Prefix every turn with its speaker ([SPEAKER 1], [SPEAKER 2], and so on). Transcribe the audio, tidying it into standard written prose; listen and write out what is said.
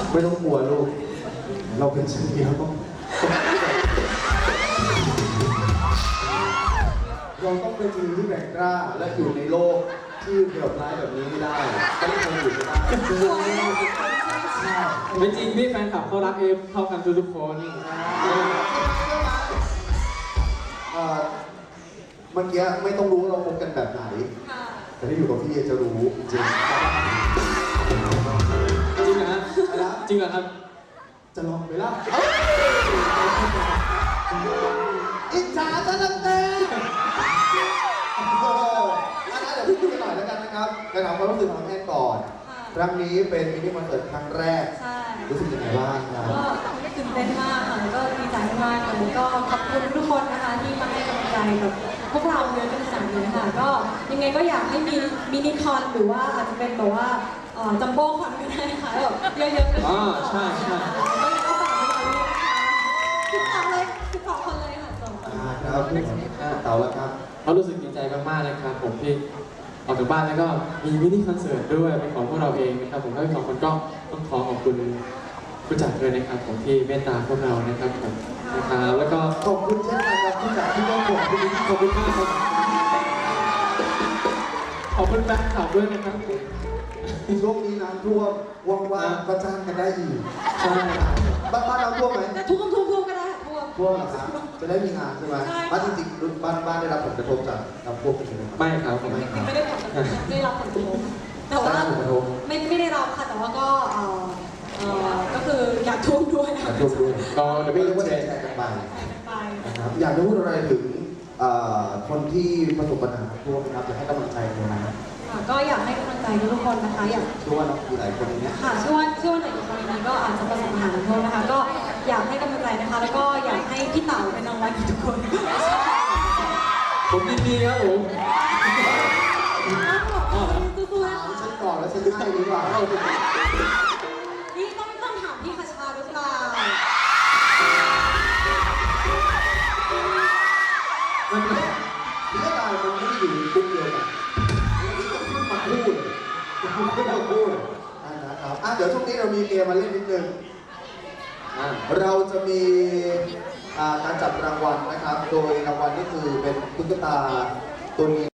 [SPEAKER 1] ไม่ต้องกลัวลูกเราเป็นชีวิตเราต้องเป็นชีวิตที่แบ่งกล้าและอยู่ในโลกที่เดือดร้ายแบบนี้ไม่ได้ต้องทนอยู่ไม่ได้
[SPEAKER 2] ไม่จริงพี่แฟนคลับเขารักเอฟเท่ากันทุกคน
[SPEAKER 1] เมื่อกี้ไม่ต้องรู้เราคบกันแบบไหนแต่ที่อยู่กับพี่จะรู้จริง
[SPEAKER 2] จริงเหรอฮะจริงเหรอครับ
[SPEAKER 1] จะลองไหมล่ะอิจฉาซะแล้วเต้เดี๋ยวพูดกันหน่อยแล้วกันนะครับไปถามความรู้สึกของแอนก่อนครั้งนี้เป็นมินิคอนเสิร์ตครั้งแรกรู้สึกยังไงบ้างครับ
[SPEAKER 3] ก็ตื่นเต้นมากค่ะแล้วก็ดีใจมากเลยก็ขอบคุณทุกคนนะคะที่มาให้กำลังใจกับพวกเราเลยเป็นสังเลยค่ะก็ยังไงก็อยากให้มีมินิคอนหรือว่าอาจจะเป็นแบบว่าจัมโบ้คอนก็ได้ค่ะแบบเยอะๆกัน
[SPEAKER 2] ใช่ใช่
[SPEAKER 3] ก็ฝากไว้ก่อนเลยนะคะ12คนเลยค่ะ
[SPEAKER 1] ครับเต่าแล้วครับ
[SPEAKER 2] เขารู้สึกดีใจมากๆเลยครับผมที่ออกจากบ้านแล้วก็มีมินิคอนเสิร์ตด้วยเป็นของพวกเราเองนะครับผมทั้งสองคนก็ต้องขอขอบคุณผู้จัดด้วยนะครับผมที่เมตตาพวกเรานะครับผมนะครับแล้วก็
[SPEAKER 1] ขอบคุณเช่นกันครับผู้จัดที่ต้องขอบคุณ
[SPEAKER 2] ขอบคุณมากครับขอบคุณแฟนคลับด้วยนะครับ
[SPEAKER 1] ช่วงนี้น้ำท่วมว่างๆก็จ้างกันได้อีก
[SPEAKER 2] ใช่
[SPEAKER 1] บ้านเราท่วมไหม
[SPEAKER 3] ท่วมก็ได้
[SPEAKER 1] ท่วมเหรอครับจะได้มีงานใช่ไหมบ้านจริงๆบ้านได้รับผลกระทบจากน้ำท่วมใช่ไหม
[SPEAKER 2] ไม่ครับ
[SPEAKER 3] ไม่ได้ผลกระทบได้รับผลกระทบแต่ว่าไม่ได้รับค่ะแต่ว่าก็คืออยากท่วมด้วย
[SPEAKER 1] อยากท่วมด้วย
[SPEAKER 2] ก็จะไม่
[SPEAKER 1] เรียกว่าแชร์กันไปนะครับอยากจะพูดอะไรถึงคนที่ประสบปัญหาท่วมนะครับอยากให้กำลังใจคนนั้น
[SPEAKER 3] ก็อยากให้กำลังใจทุกคนนะคะอยาก
[SPEAKER 1] ช่วยมีหลายคนนี้
[SPEAKER 3] ค่ะช่วยหลายคนนี้ก็อาจจะประสบปัญหาท่วมนะคะก็อยากให้กำลังใจนะคะแล้วก็อยากให้พี่เต๋าเป็นรางวัลทุกคน
[SPEAKER 2] ผมยินดีครับผม
[SPEAKER 3] สู้ๆนะคะ
[SPEAKER 1] ฉันก่อนแล้วฉันให้ดีกว่า
[SPEAKER 3] นี่ต้องถามพี่คชาหรือเปล่า
[SPEAKER 1] มันเรื่องราวมันไม่ได้อยู่ในคุกเดียวกันนี่ก็ขึ้นมาพูดนะครับเดี๋ยวช่วงนี้เรามีเกมมาเล่นนิดนึงเราจะมีการจับรางวัลนะครับโดยรางวัลนี่คือเป็นตุ๊กตาตัวนี้